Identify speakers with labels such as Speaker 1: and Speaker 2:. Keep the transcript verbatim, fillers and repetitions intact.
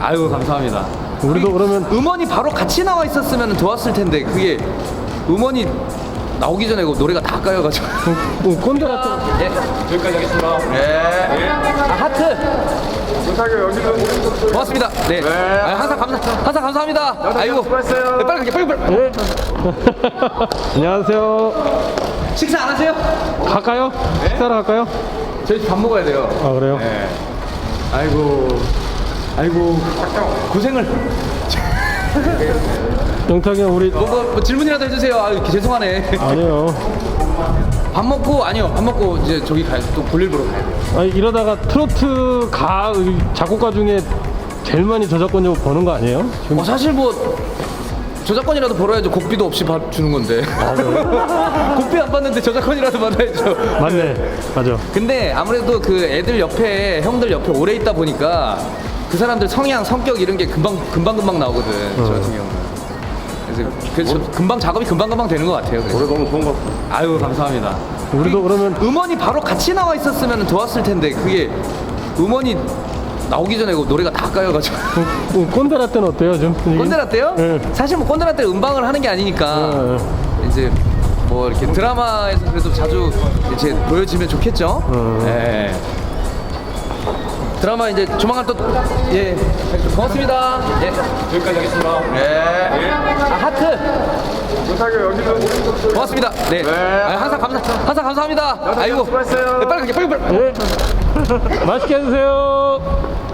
Speaker 1: 아유 감사합니다.
Speaker 2: 우리도 그러면
Speaker 1: 음원이 바로 같이 나와 있었으면 좋았을 텐데 그게 음원이 나오기 전에 그 노래가 다 까여가지고.
Speaker 2: 어, 꼰대 같은.
Speaker 1: 예.
Speaker 3: 여기까지 하겠습니다.
Speaker 1: 네. 아, 하트.
Speaker 3: 부탁해요. 여기는
Speaker 1: 고맙습니다. 네.
Speaker 3: 네.
Speaker 1: 아, 항상 감사, 항상 감사합니다. 아이고.
Speaker 3: 수고했어요.
Speaker 1: 네, 빨리 가게, 빨리 빨리.
Speaker 2: 예. 안녕하세요.
Speaker 1: 식사 안 하세요?
Speaker 2: 갈까요? 식사를 할까요?
Speaker 1: 저희 밥 먹어야 돼요.
Speaker 2: 아 그래요?
Speaker 1: 네. 아이고, 아이고, 고생을.
Speaker 2: 영탁이 형 우리
Speaker 1: 뭐, 뭐, 뭐 질문이라도 해주세요. 아, 죄송하네.
Speaker 2: 아니에요.
Speaker 1: 밥 먹고 아니요, 밥 먹고 이제 저기 가야 또 볼일 보러 가야 돼요.
Speaker 2: 아니 이러다가 트로트 가 작곡가 중에 제일 많이 저작권 좀 버는 거 아니에요? 지금
Speaker 1: 어, 사실 뭐 저작권이라도 벌어야죠. 곡비도 없이 밥 주는 건데. 곡비 안 받는데 저작권이라도 받아야죠.
Speaker 2: 맞네. 맞아.
Speaker 1: 근데 아무래도 그 애들 옆에 형들 옆에 오래 있다 보니까 그 사람들 성향 성격 이런 게 금방 금방 금방 나오거든. 저 같은 경우는. 그래서 그래서 금방 작업이 금방 금방 되는 것 같아요. 그래서.
Speaker 3: 노래 너무 좋은 것 같아요.
Speaker 1: 아유 감사합니다.
Speaker 2: 우리도 그러면
Speaker 1: 음원이 바로 같이 나와 있었으면 좋았을 텐데 그게 음원이 나오기 전에 그 노래가 다 까여가지고.
Speaker 2: 어, 꼰대라떼는 어때요 좀? 분위기?
Speaker 1: 꼰대라떼요?
Speaker 2: 네.
Speaker 1: 사실 뭐 꼰대라떼 음방을 하는 게 아니니까
Speaker 2: 네.
Speaker 1: 이제 뭐 이렇게 드라마에서 그래도 자주 이제 보여지면 좋겠죠.
Speaker 2: 음.
Speaker 1: 네. 드라마 이제 조만간 또 예 고맙습니다. 예.
Speaker 3: 여기까지 하겠습니다.
Speaker 1: 네. 아, 하트.
Speaker 3: 부탁해요. 여기는
Speaker 1: 고맙습니다. 네.
Speaker 3: 네.
Speaker 1: 아, 항상 감사 항상 감사합니다. 아이고.
Speaker 3: 수고했어요.
Speaker 1: 네, 빨리 가게 빨리 빨리.
Speaker 2: 예. 맛있게 해주세요.